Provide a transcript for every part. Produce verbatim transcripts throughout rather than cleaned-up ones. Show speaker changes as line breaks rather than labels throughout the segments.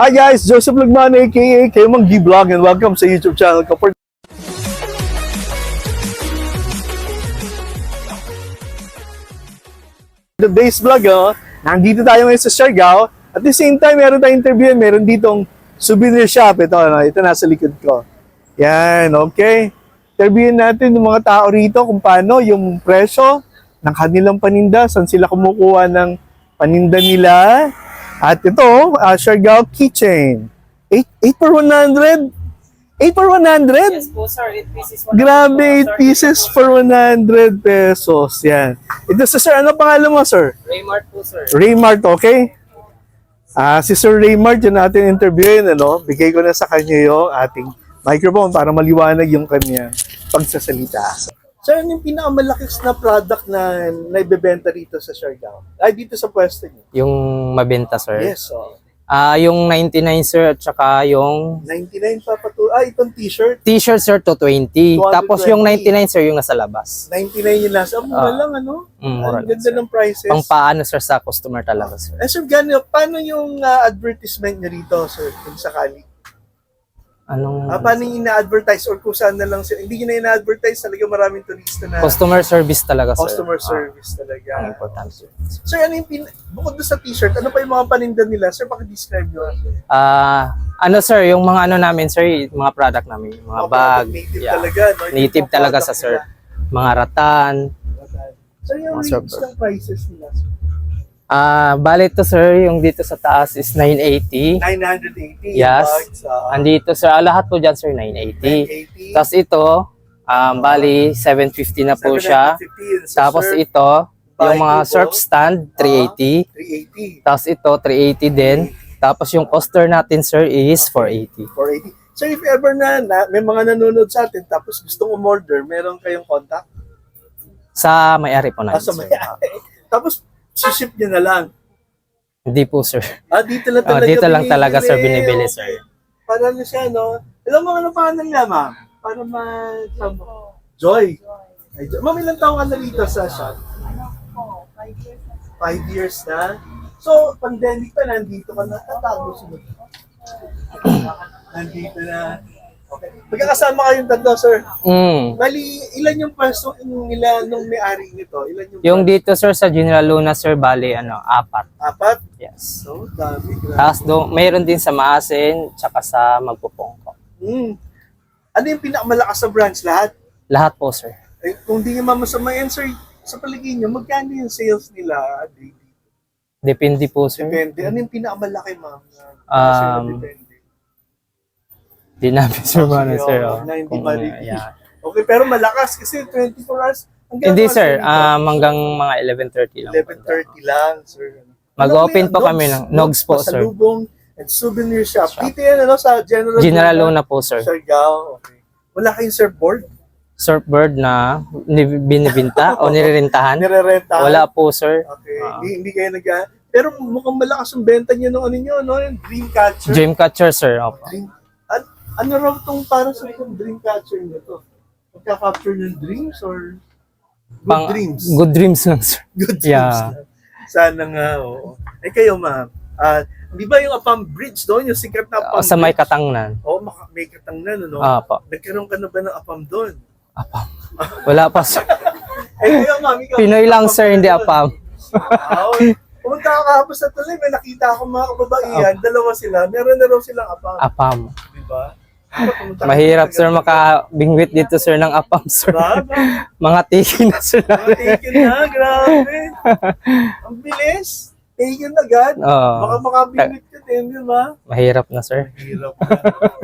Hi guys, Joseph Lagman aka Kemang G Vlog and welcome sa YouTube channel ko. For today's vlog, oh, nandito tayo ngayon sa Siargao. At the same time, meron tayong interview, meron ditong souvenir shop. Ito, ano, ito nasa likod ko. Yan, okay. Interviewin natin yung mga tao rito kung paano yung presyo ng kanilang paninda, saan sila kumukuha ng paninda nila. At ito, uh, Siargao keychain. eight for one hundred? eight for one hundred?
Yes po sir, eight pieces.
Grabe, eight pieces for one hundred pesos. Yan. Ito sa sir, ano pangalan mo sir?
Raymart po sir.
Raymart, okay? Ah, si Sir Raymart, yun natin interviewin, ano? Bigay ko na sa kanya yung ating microphone para maliwanag yung kanya pagsasalita. Sir, ano yung pinakamalaki na product na naibebenta rito sa Siargao? Ay, dito sa pwesto niyo?
Yung mabenta sir.
Yes, oh.
Ah, yung ninety-nine sir at saka yung
ninety-nine pa patu. Ah, itong t-shirt.
t-shirt sir to twenty.
two hundred twenty.
Tapos yung ninety-nine sir yung nasa labas.
ninety-nine yung lasa. Mura
Ah.
lang, ano?
Mm, mura
Ang
lang,
ganda
sir.
ng prices.
Pang paano sir sa customer talaga sir.
Eh, sir, gano, paano yung ah, advertisement niyo rito, sir, kung sakali?
Anong
Ah, paano yung ina-advertise or kung saan na lang sila? Hindi nyo na ina-advertise, talaga maraming turista na
customer service talaga sir.
customer
Ah,
service talaga.
ang importante sir.
Sir, ano yung pin... Bukod doon sa t-shirt, ano pa yung mga paninda nila? Sir, pakidescribe nyo.
Ah, ano sir, yung mga ano namin sir, yung mga product namin, yung mga
Mga
bag,
native
yeah.
talaga, no? Yung
Native
mga
talaga
product
sa sir.
nila.
Mga ratan.
Sir, yung
Mga
range
server.
ng prices nila, sir?
Ah, bali to sir, yung dito sa taas is nine eighty.
nine eighty.
Yes.
Bags, ah,
Andito sir, ah, lahat po dyan sir nine eighty.
nine eighty.
Tapos ito, um, bali seven fifty na po siya.
seven fifty. Yun, sa
Tapos
surf,
ito, yung
bike
mga
po,
surf stand, three eighty.
three eighty.
Tapos ito, three eighty din. Tapos yung coaster natin sir is four eighty.
four eighty. So if ever na, na may mga nanonood sa atin tapos gustong umorder, meron kayong contact?
Sa may-ari po
Ah,
natin
sa
sir.
may Tapos ship niyo na lang.
Hindi po sir.
Ah, dito lang
Ah,
talaga
dito lang
binibili.
talaga sir binibili
Okay.
sir.
Para na siya, no? Alam mo ano pangalan niya, ma'am? Para ma... Joy. Ay, Joy. Ma'am, ilang taong ka na rito sa shop? Five years na. So, pandemic pa, nandito ka na. Tatago sunod. Nandito na. Okay. Magkakasama kayong tatlo, sir.
Mm.
Bali, ilan yung pwesto nila nung may-ari nito? Ilan yung,
Yung
pwesto?
dito sir sa General Luna sir, bali ano, apat.
Apat?
Yes.
So, dami. grabe.
Tapos do, mayroon din sa Maasin, tsaka sa Magpupongko.
Hmm. Ano yung pinakamalakas sa branch? Lahat?
Lahat po sir.
Eh, kung di nyo mamasamayan, sir, sa paligid nyo, magkano yung sales nila daily?
Depende po sir.
Depende. Ano yung pinakamalaki, ma'am? na-
Um,
na depende.
Di namin sir ano
Sige,
sir.
oh,
Oh.
na hindi
Kung,
ma-repeat.
yeah.
Okay, pero malakas kasi twenty-four hours. Hanggang
Hindi
ano,
sir,
dito?
um, hanggang mga eleven thirty lang.
eleven thirty lang, sir.
Mag-open
Ano
po
yan?
kami ng Nogs po sir.
Pasalubong and souvenir shop. Dito yan, ano, sa General
General Luna po sir.
Siargao. Okay. Wala kayong surfboard?
Surfboard na ni- binibinta o nirerentahan?
Nire-renta?
Wala po sir.
Okay.
Ah.
Hindi, hindi kayo nag Pero mukhang malakas yung benta nyo nung ano nyo, no? Yung Dreamcatcher.
Dreamcatcher sir. Opo.
Dream, an, ano raw tong para sa itong Dreamcatcher nyo to? Magka-capture ng dreams or good
Pang-
dreams?
Good dreams lang sir.
Good dreams.
Yeah.
lang. Sana nga, oo. Eh kayo, ma'am, ah, di ba yung Apam Bridge doon, yung sikat na Apam
O, sa may
Bridge?
katangnan.
Oo, maka- may katangnan, ano?
Opo.
Nagkaroon ka na ba ng Apam doon?
Apam. Wala pa sir.
Eh, kayo, ma'am, ikaw.
Pinoy lang
Apam
sir,
ka
hindi
doon.
apam.
Wow. Pumunta ka kahapon sa tuloy, may nakita akong mga kababaihan, dalawa sila, meron na raw silang Apam.
Apam.
Di ba? Pumunta ka
Mahirap
sa
sir
tagal-
makabingwit dito sir ng apam sir.
Grabe.
Mga tiki na sir.
Mga taken na, grabe. Ang bilis. Taken agad.
Oo.
Baka makabinit ka din, di ba?
Mahirap na sir.
Hirap na.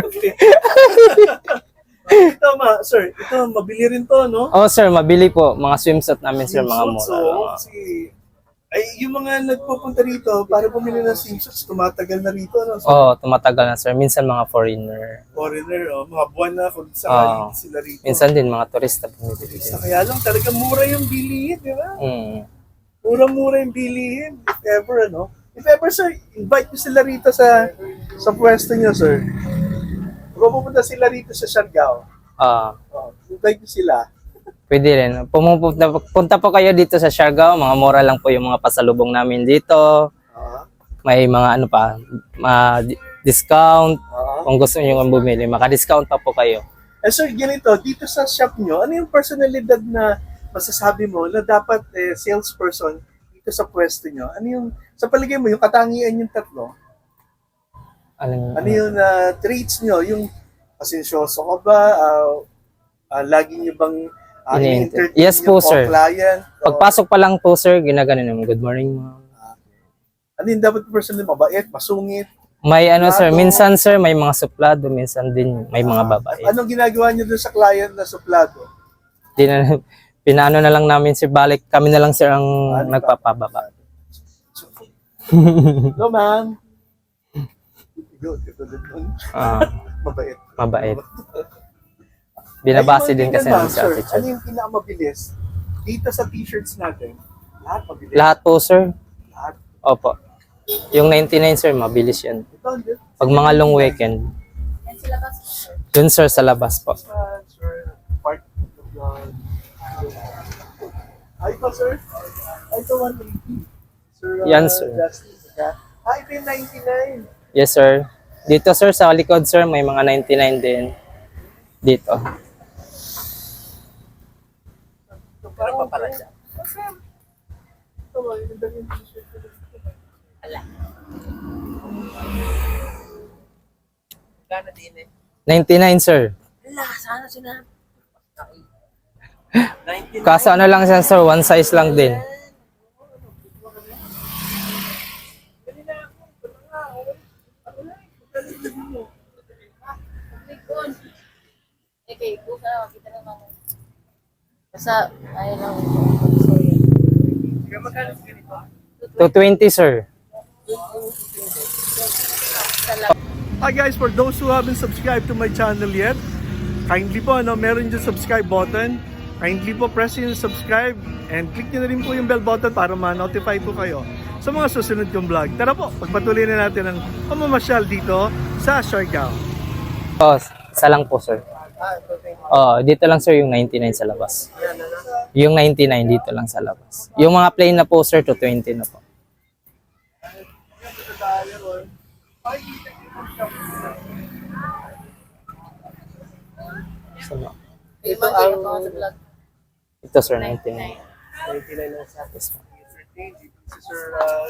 Ito, ma, sir, ito, mabili rin to, no?
Oh sir, mabili po. Mga swimsuit namin sir, mga
Swimsuits,
mura.
oo,
Mga-
kasi, ay, yung mga nagpupunta rito, para bumili ng swimsuits, tumatagal na rito, no? So,
Oo, tumatagal na sir. Minsan mga foreigner.
foreigner, oh, mga buwan na kung
Oo.
saan sila rito.
Minsan din mga turista bumibili din.
Sa kaya lang, talaga mura yung bilihin, di ba?
Mm.
Murang-mura yung bilihin. If ever, ano? If ever, sir, invite nyo sila rito sa sa pwesto nyo, sir. Kung pupunta sila rito sa Siargao,
Ah,
oh, invite nyo sila.
pwede rin. Pumupunta punta po kayo dito sa Siargao. Mga mura lang po yung mga pasalubong namin dito.
Ah,
May mga ano pa, ma- discount.
Oo.
Kung gusto niyo bumili, maka-discount pa po kayo.
Eh sir, ganito, dito sa shop nyo, ano yung personalidad na masasabi mo na dapat eh, salesperson dito sa pwesto nyo? Ano yung, sa paligay mo, yung katangian yung tatlo?
Alam,
Ano yung uh, traits nyo? Yung pasensyoso ka ba? Uh, uh, lagi nyo bang uh,
Ini-inter-
ini-entertain
Yes
yung
po, sir.
client? O,
Pagpasok pa lang po, sir, ginagano naman, good morning, ma'am.
ano yung dapat personal? Mabait, masungit?
May ano, sir,
Suplado.
minsan, sir, may mga suplado, minsan din may mga babae.
Anong ginagawa nyo dun sa client na suplado?
Di na, pinaano na lang namin, sir, balik kami na lang, sir, ang nagpapababa.
Hello, ma'am. Good, katulad nun.
Ah,
Mabait.
mabait. Binabase
Ayun,
din kasi
ma'am,
ng sa
sir,
attitude.
ano yung pinakamabilis? Dito sa t-shirts natin, lahat mabilis.
Lahat po, sir.
Lahat.
Opo. Yung ninety-nine, sir, mabilis yan.
Ito, hindi.
Pag mga long weekend, yun, sir, sa labas po.
Ah, sir, part of the... Ay, ito, sir. Ay, ito, one eighty. Sir, uh,
Yan, sir.
Justice, okay? Ah, ito yung ninety-nine.
Yes, sir. Dito, sir, sa likod, sir, may mga ninety-nine din. Dito.
Ito pa pala siya. Ito, yung ganda yung t-shirt. Gana din eh.
ninety-nine, sir.
Wala, sana sinabi.
Kaso ano lang siya, sir, one size lang din.
Okay, buka na makita naman. Basta, ayun lang.
two twenty, sir.
Hi guys, for those who haven't subscribed to my channel yet, kindly po, ano, meron dyan subscribe button. Kindly po press yung subscribe and click nyo na rin po yung bell button para ma-notify po kayo sa mga susunod kong vlog. Tara po, pagpatuloy na natin ang pamamasyal dito sa Siargao.
Oh, isa lang po, sir. Oh, dito lang, sir, yung ninety-nine sa labas. Yung ninety-nine dito lang sa labas. Yung mga plain na po, sir, two twenty na po. So, no.
Ito ang... Ito sa vlog.
Ito, sir, ninety-nine.
ninety-nine lang sa
Yes, ma'am.
Sir, uh...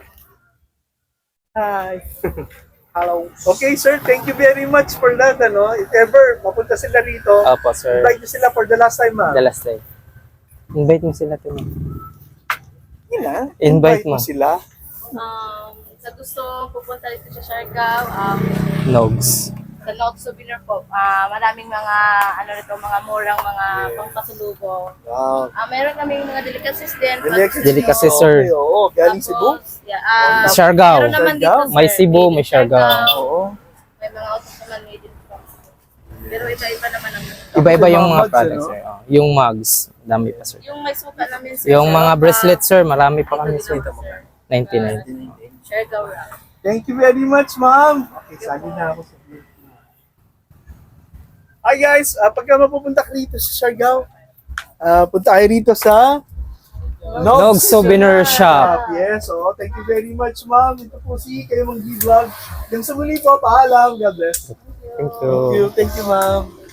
Hi. Hello. Okay, sir. Thank you very much for that. Ano, if ever mapunta sila rito,
Opo, sir.
invite nyo sila for the last time, ma'am.
The last day. Invite mo sila to, ma'am.
Yun na.
Invite mo.
sila.
Um, sa gusto pupunta dito sa Siargao, um,
Nogs.
sa Log Souvenir po, ah maraming mga, ano nito, mga murang mga pangpasulubong.
Wow.
Ah meron kaming mga delicacies din.
Delicacies.
Delicacies, sir.
Okay, oo. Galing Cebu.
Yeah, ah,
Siargao.
meron naman dito,
Siargao.
sir.
May Cebu,
Made in
may Siargao.
Oo.
May mga autos naman made in France. Pero iba-iba naman ang...
Iba-iba yung mga
Mugs,
products,
ano?
sir. Oh, yung mugs. Dami pa, sir.
Yung may suka namin, sir.
Yung mga
ah,
bracelet, sir. Marami pa kami,
ito
sir.
dito, sir.
ninety-nine.
Siargao Rock.
Thank you very much, ma'am. Okay, sali na ako sa vlog. Hi guys, uh, pagka mapupunta ka rito sa Siargao, uh, punta kayo rito sa
Nogs Souvenir Shop.
Yes, oh, thank you very much, ma'am. Ito po si kayo mong vlog. Hanggang sa muli po, paalam. God bless.
Thank
Thank you,
you.
thank you, ma'am.